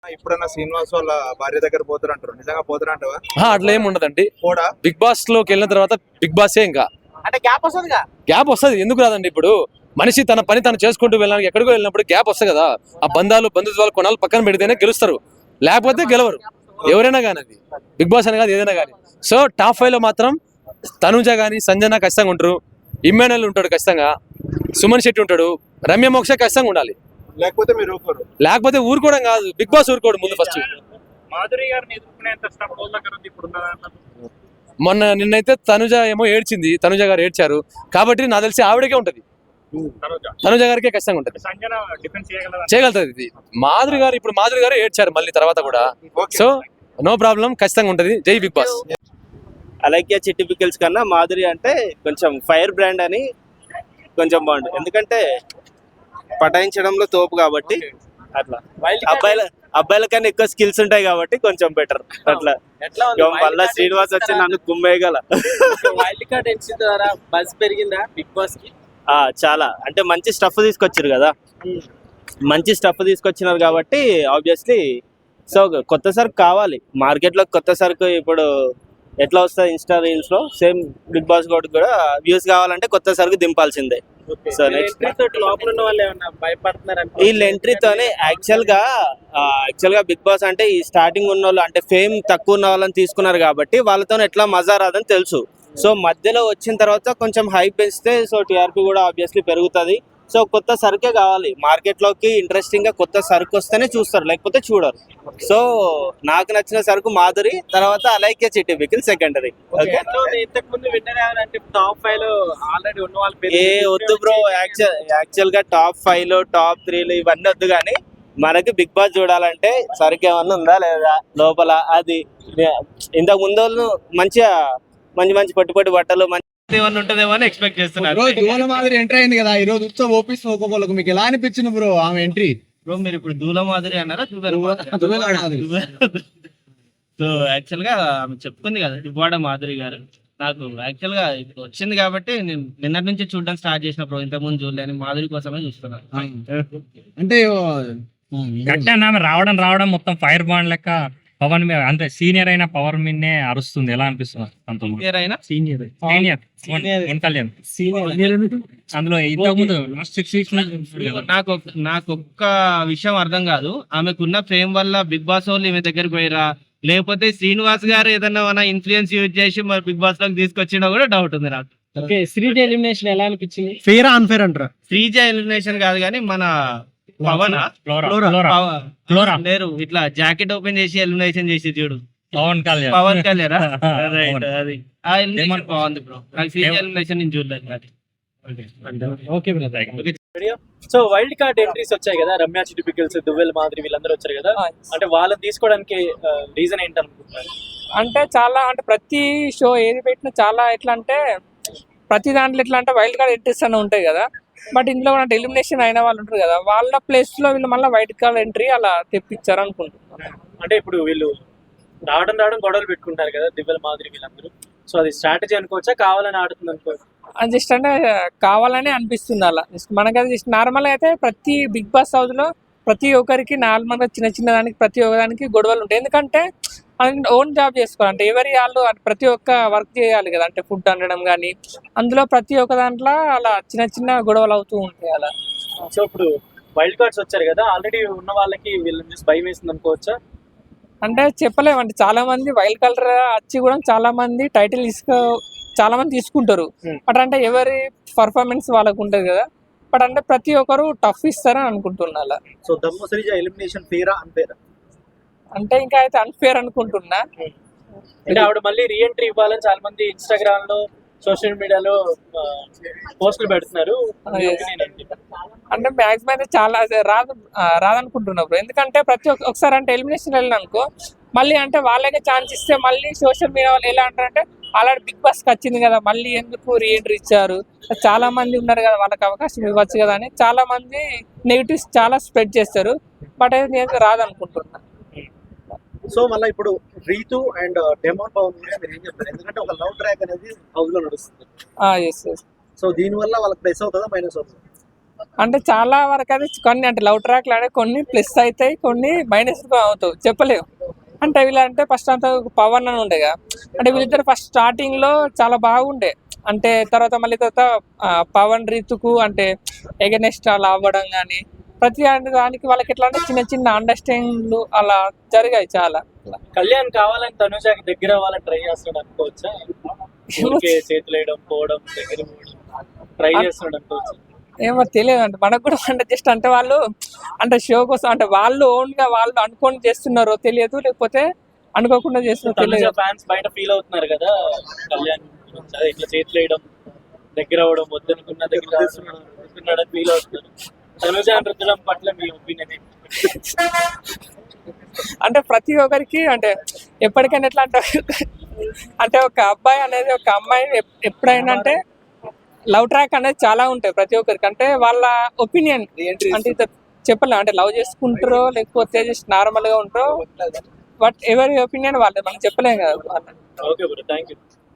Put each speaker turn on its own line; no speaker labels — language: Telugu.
ఇప్పుడన్నా శ్రీనివాస్ వాళ్ళ భార్య దగ్గర పోతారంటారు, నిజంగా పోతారంటావా?
అట్లా ఏమి ఉండదండి.
కూడా
బిగ్ బాస్ లోకి వెళ్ళిన తర్వాత బిగ్ బాసే ఇంకా
అంటే గ్యాప్ వస్తుందిగా.
గ్యాప్ వస్తుంది. ఎందుకు రాదండి? ఇప్పుడు మనిషి తన పని తను చేసుకుంటూ వెళ్ళడానికి ఎక్కడికో వెళ్ళినప్పుడు గ్యాప్ వస్తుంది కదా. ఆ బంధుత్వాలు కొనాలి పక్కన పెడితేనే గెలుస్తారు, లేకపోతే గెలవరు ఎవరైనా కానీ. అది బిగ్ బాస్ అని కాదు, ఏదైనా కానీ. సో టాప్ 5 లో మాత్రం తనుజ కానీ సంజన ఖచ్చితంగా ఉంటారు, ఇమ్మానుయల్ ఉంటాడు ఖచ్చితంగా, సుమన్ శెట్టి ఉంటాడు, రమ్య మోక్ష ఖచ్చితంగా ఉండాలి.
లేకపోతే మీరు ఊరుకోరు?
లేకపోతే ఊరుకోవడం కాదు, బిగ్ బాస్ ఊరుకోడు ముందు ఫస్ట్.
మాధురి గారిని ఎదుర్కొనేంత స్టఫ్ దగ్గర ఉంది ఇప్పుడు.
మొన్న నిన్నైతే తనుజ ఏమో ఏడ్చింది, తనుజ గారు ఏడ్చారు కాబట్టి నాకు తెలిసి ఆవిడకే ఉంటది, తనుజ గారికే ఖచ్చితంగా ఉంటది,
సంజన డిఫెన్స్
చేయగలుగుతుంది. ఇది మాధురి గారు ఏడ్చారు మళ్ళీ తర్వాత కూడా. సో నో ప్రాబ్లం, ఖచ్చితంగా ఉంటది. జై బిగ్ బాస్.
అలైక్య చిట్టి పికిల్స్ కన్నా మాధురి అంటే కొంచెం ఫైర్ బ్రాండ్ అని కొంచెం బాగుంటుంది, ఎందుకంటే పటాయించడంలో తోపు కాబట్టి. అట్లా అబ్బాయిల కన్నా ఎక్కువ స్కిల్స్ ఉంటాయి కాబట్టి కొంచెం బెటర్ అట్లా. మళ్ళా శ్రీనివాస్ వచ్చి నన్ను కుమ్మేయగల.
వైల్డ్ కార్డ్ ఎంట్రీ ద్వారా బజ్ పెరిగిందా బిగ్ బాస్ కి?
చాలా, అంటే మంచి స్టఫ్ తీసుకొచ్చారు కదా, మంచి స్టఫ్ తీసుకొచ్చినారు కాబట్టి ఆబ్వియస్లీ. సో కొత్త సరుకు కావాలి మార్కెట్లో. కొత్త సరుకు ఇప్పుడు ఎట్లా వస్తుంది ఇన్స్టా రీల్స్ లో, సేమ్ బిగ్ బాస్ కూడా వ్యూస్ కావాలంటే కొత్త సరుకు దింపాల్సిందే. సో నెక్స్ట్
లోపల ఉన్న వాళ్ళు ఏమన్నా భయపడుతున్నారు?
వీళ్ళ ఎంట్రీతోనే యాక్చువల్ గా బిగ్ బాస్ అంటే ఈ స్టార్టింగ్ ఉన్న వాళ్ళు అంటే ఫేమ్ తక్కువ ఉన్న వాళ్ళని తీసుకున్నారు కాబట్టి వాళ్ళతో ఎట్లా మజా రాదని తెలుసు. సో మధ్యలో వచ్చిన తర్వాత కొంచెం హైప్ పెంచితే సో టీఆర్పీ కూడా ఆబ్వియస్లీ పెరుగుతుంది. సో కొత్త సరుకే కావాలి మార్కెట్లోకి. ఇంట్రెస్టింగ్ గా కొత్త సరుకు వస్తేనే చూస్తారు, లేకపోతే చూడరు. సో నాకు నచ్చిన సరుకు మాధురి, తర్వాత అలైక్య చిట్టి పికిల్ సెకండరీ.
ఇంతకు ముందు విన్నర్ ఎవరంటే టాప్ 5 లో ఆల్రెడీ ఉన్న వాళ్ళు
ఏ వద్దు బ్రో, యాక్చువల్ గా టాప్ 5 లో టాప్ 3 లో ఇవన్నీ వద్దు, కానీ మనకి బిగ్ బాస్ చూడాలంటే సరుకు ఏమన్నా ఉందా లేదా లోపల. అది ఇంతకు ముందు వాళ్ళు మంచిగా మంచి పొట్టి బట్టలు ఏమన్నా ఉంటుందేమో అని ఎక్స్పెక్ట్ చేస్తున్నారు.
దూల మాదిరి ఎంట్రీ అయింది కదా ఈ రోజు, ఉత్సవ ఓపిస్ ఒక్కొక్కరికి మీకు ఎలా అనిపించింది బ్రో ఆమె ఎంట్రీ?
బ్రో మీరు ఇప్పుడు దూల మాదిరి అన్నారా? సో యాక్చువల్ గా ఆమె చెప్పుకుంది కదా దువ్వాడ మాధురి గారు. నాకు యాక్చువల్ గా ఇప్పుడు వచ్చింది కాబట్టి నేను నిన్నటి నుంచి చూడడం స్టార్ట్ చేసిన బ్రో, ఇంతకు ముందు చూడలేని మాధురి కోసమే చూస్తున్నాను.
అంటే
రావడం మొత్తం ఫైర్ బాండ్ లెక్క పవన్ మీద, అంటే సీనియర్ అయిన పవర్ మీదనే అరుస్తుంది. ఎలా అనిపిస్తుంది? అందులో ఇంతకు ముందు
నాకు ఒక్క విషయం అర్థం కాదు, ఆమెకున్న ఫేమ్ వల్ల బిగ్ బాస్ వాళ్ళు ఈమె దగ్గరికి పోయిరా, లేకపోతే శ్రీనివాస్ గారు ఏదన్నా మన ఇన్ఫ్లుయెన్స్ యూజ్ చేసి మరి బిగ్ బాస్ లోకి తీసుకొచ్చినా కూడా డౌట్ ఉంది నాకు.
శ్రీజ ఎలిమినేషన్ ఎలా అనిపించింది?
ఫెయిర్ అన్ఫేర్ అంటారా?
శ్రీజ ఎలిమినేషన్ కాదు కానీ మన పవన్ లేరు ఇట్లా జాకెట్ ఓపెన్ చేసి ఎలిమినేషన్ చేసి చూడు, పవన్ కళ్యాణ్ రైట్. అది ఆ ఎలిమినేషన్ బాగుంది బ్రో, నాకు శ్రీజ ఎలిమినేషన్ నేను చూడలేదు.
సో వైల్డ్ కార్డ్ ఎంట్రీస్ వచ్చాయి కదా, రమ్య చిట్టి పికిల్స్, దువ్వెల మాదిరి వీళ్ళందరూ వచ్చారు కదా, అంటే వాళ్ళని తీసుకోవడానికి రీజన్ ఏంటనుకుంటున్నారు?
అంటే చాలా, అంటే ప్రతి షో ఏది పెట్టినా చాలా ఎట్లా అంటే ప్రతి దాంట్లో ఎట్లా అంటే వైల్డ్ కార్డ్ ఎంట్రీస్ అని ఉంటాయి కదా. బట్ ఇందులో కూడా ఎలిమినేషన్ అయిన వాళ్ళు ఉంటారు కదా, వాళ్ళ ప్లేస్ లో వీళ్ళు మళ్ళీ వైల్డ్ కార్డ్ ఎంట్రీ అలా తెప్పించారు అనుకుంటున్నాను.
అంటే ఇప్పుడు వీళ్ళు రావడం గొడవలు పెట్టుకుంటారు కదా దివ్వెల మాదిరి వీళ్ళందరూ, సో అది స్ట్రాటజీ అనుకోవచ్చా, కావాలని ఆడుతుంది అనుకోవచ్చు?
అది జస్ట్ అంటే కావాలని అనిపిస్తుంది అలా. జస్ట్ మనకైతే జస్ట్ నార్మల్గా అయితే ప్రతి బిగ్ బాస్ హౌస్ లో ప్రతి ఒక్కరికి నార్మల్గా చిన్న దానికి ప్రతి ఒక్కదానికి గొడవలు ఉంటాయి. ఎందుకంటే ఓన్ జాబ్ చేసుకోవాలి, అంటే ఎవరి వాళ్ళు ప్రతి ఒక్క వర్క్ చేయాలి కదా, అంటే ఫుడ్ అనడం కానీ అందులో ప్రతి ఒక్క దాంట్లో అలా చిన్న గొడవలు అవుతూ ఉంటాయి అలా.
సో ఇప్పుడు వైల్డ్ కార్డ్స్ వచ్చారు కదా, ఆల్రెడీ ఉన్న వాళ్ళకి వీళ్ళని చూసి భయం వేసింది అనుకోవచ్చా?
అంటే చెప్పలేమండి, చాలా మంది వైల్డ్ కలర్ వచ్చి కూడా చాలా మంది టైటిల్ చాలా మంది తీసుకుంటారు. బట్ అంటే ఎవరి పర్ఫార్మెన్స్ వాళ్ళకు ఉంటుంది కదా, బట్ అంటే ప్రతి ఒక్కరు టఫ్ ఇస్తారని అనుకుంటున్నా అలా.
సో దమ్ము శ్రీజ ఎలిమినేషన్ ఫేరా అన్ఫేరా?
అంటే ఇంకా అయితే అన్ఫేర్ అనుకుంటున్నా.
అంటే ఆవిడ మళ్ళీ రీఎంట్రీ ఇవ్వాలని చాలా మంది ఇన్స్టాగ్రామ్ లో సోషల్ మీడియాలో పోస్టులు పెడుతున్నారు.
అంటే మ్యాక్సిమం అయితే చాలా రాదనుకుంటున్నారు. ఎందుకంటే ప్రతి ఒకసారి అంటే ఎలిమినేషన్ వెళ్ళిన అనుకో మళ్ళీ అంటే వాళ్ళకే ఛాన్స్ ఇస్తే మళ్ళీ సోషల్ మీడియా వాళ్ళు ఎలా అంటారంటే ఆల్రెడీ బిగ్ బాస్కి వచ్చింది కదా మళ్ళీ ఎందుకు రీఎంట్రీ ఇచ్చారు, చాలా మంది ఉన్నారు కదా వాళ్ళకి అవకాశం ఇవ్వచ్చు కదా అని చాలా మంది నెగిటివ్స్ చాలా స్ప్రెడ్ చేస్తారు. బట్ అయితే నేను రాదనుకుంటున్నా.
సో మళ్ళీ ఇప్పుడు రీతు అండ్ డెమోన్ పవన్ మీరు ఏం చెప్తారు? ఎందుకంటే ఒక లవ్ ట్రాక్ అనేది హౌస్ లో నడుస్తుంది. సో దీని వల్ల వాళ్ళకి ప్లస్ అవుతుందా మైనస్ అవుతుందా?
అంటే చాలా వరకు అయితే కొన్ని అంటే లవ్ ట్రాక్లు అంటే కొన్ని ప్లస్ అవుతాయి, కొన్ని మైనస్ అవుతాయి, చెప్పలేము. అంటే వీళ్ళంటే ఫస్ట్ అంతా పవన్ అని ఉండేగా, అంటే వీళ్ళిద్దరు ఫస్ట్ స్టార్టింగ్ లో చాలా బాగుండే, అంటే తర్వాత మళ్ళీ తర్వాత పవన్ రీతుకు అంటే ఎగనెస్ట్ అలా అవ్వడం కానీ ప్రతి దానికి వాళ్ళకి ఎట్లా అంటే చిన్న చిన్న అండర్స్టాండింగ్లు అలా జరిగాయి చాలా.
కళ్యాణ్ కావాలని తనుజాకి దగ్గర అవ్వాలని ట్రై చేస్తున్నాడు అనుకోవచ్చా? ఊరికే చేతులు వేయడం, పోవడం, దగ్గర ట్రై చేస్తున్నాడు అనుకోవచ్చు.
ఏమో తెలియదు అంటే మనకు కూడా అంటే జస్ట్ అంటే వాళ్ళు అంటే షో కోసం అంటే వాళ్ళు ఓన్ గా వాళ్ళు అనుకొని చేస్తున్నారో తెలియదు, లేకపోతే అనుకోకుండా చేస్తున్నారో
తనుజ
తెలియదు.
ఫ్యాన్స్ బయట ఫీల్ అవుతున్నారు కదా కళ్యాణ్ గురించి, అదే ఇట్లా చేతులు వేయడం, దగ్గర అవడం, వద్దనుకున్న దగ్గర వస్తున్నాడు అని ఫీల్ అవుతున్నారు. తనుజ రుద్దడం పట్ల మీ ఒపీనియన్ ఏంటి?
అంటే ప్రతి ఒక్కరికి అంటే ఎప్పటికైనా ఎట్లా అంటే అంటే ఒక అబ్బాయి అనేది ఒక అమ్మాయి ఎప్పుడైనా అంటే లవ్ ట్రాక్ అనేది చాలా ఉంటాయి ప్రతి ఒక్కరికి, అంటే వాళ్ళ ఒపీనియన్ అంటే ఇది చెప్పలేం, అంటే లవ్ చేసుకుంటారో లేకపోతే జస్ట్ నార్మల్ గా ఉంటారో, బట్ ఎవరి ఒపీనియన్ వాళ్ళది మనం చెప్పలేం కదా.
Okay bro, thank you.